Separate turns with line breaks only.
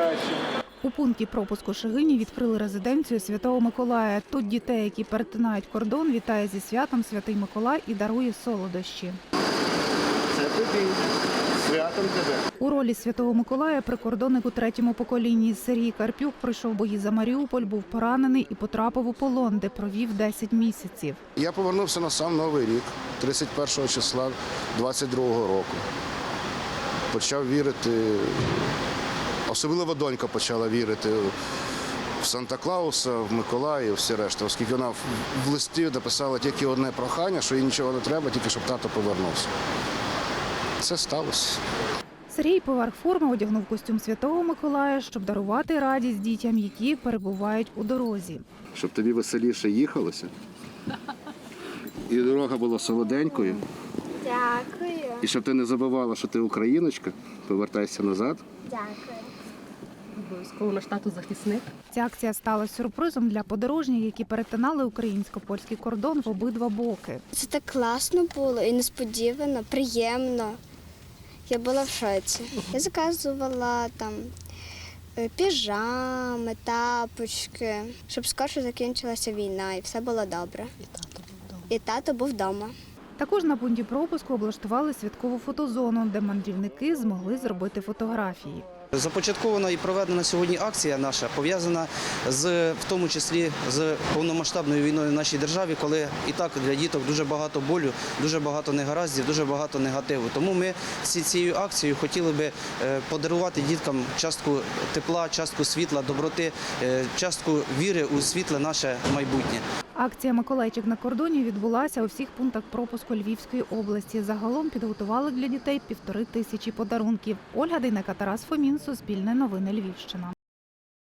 ідентифікацію.
У пункті пропуску Шегині відкрили резиденцію Святого Миколая. Тут дітей, які перетинають кордон, вітає зі святом Святий Миколай і дарує солодощі.
Це тобі. Святом тебе.
У ролі Святого Миколая прикордонник у третьому поколінні. Сергій Карпюк пройшов бої за Маріуполь, був поранений і потрапив у полон, де провів 10 місяців.
Я повернувся на сам Новий рік, 31 числа 22-го року. Почав вірити, особливо донька почала вірити в Санта-Клауса, в Миколая і всі решта, оскільки вона в листі написала тільки одне прохання, що їй нічого не треба, тільки щоб тато повернувся. Це сталося.
Сергій поверх форми одягнув костюм Святого Миколая, щоб дарувати радість дітям, які перебувають у дорозі.
Щоб тобі веселіше їхалося, і дорога була солоденькою,
Дякую.
і щоб ти не забувала, що ти україночка, повертайся назад.
Дякую.
Обов'язково наш тато захисник.
Ця акція стала сюрпризом для подорожніх, які перетинали українсько-польський кордон в обидва боки.
Це так класно було і несподівано, приємно. Я була в шоці. Я заказувала там піжами, тапочки, щоб скорше закінчилася війна і все було добре. І тато був вдома.
Також на пункті пропуску облаштували святкову фотозону, де мандрівники змогли зробити фотографії.
Започаткована і проведена сьогодні акція наша пов'язана в тому числі з повномасштабною війною в нашій державі, коли і так для діток дуже багато болю, дуже багато негараздів, дуже багато негативу. Тому ми цією акцією хотіли би подарувати діткам частку тепла, частку світла, доброти, частку віри у світле наше майбутнє.
Акція «Миколайчик на кордоні» відбулася у всіх пунктах пропуску Львівської області. Загалом підготували для дітей 1500 подарунків. Ольга Дейнека, Тарас Фомін, Суспільне новини Львівщина.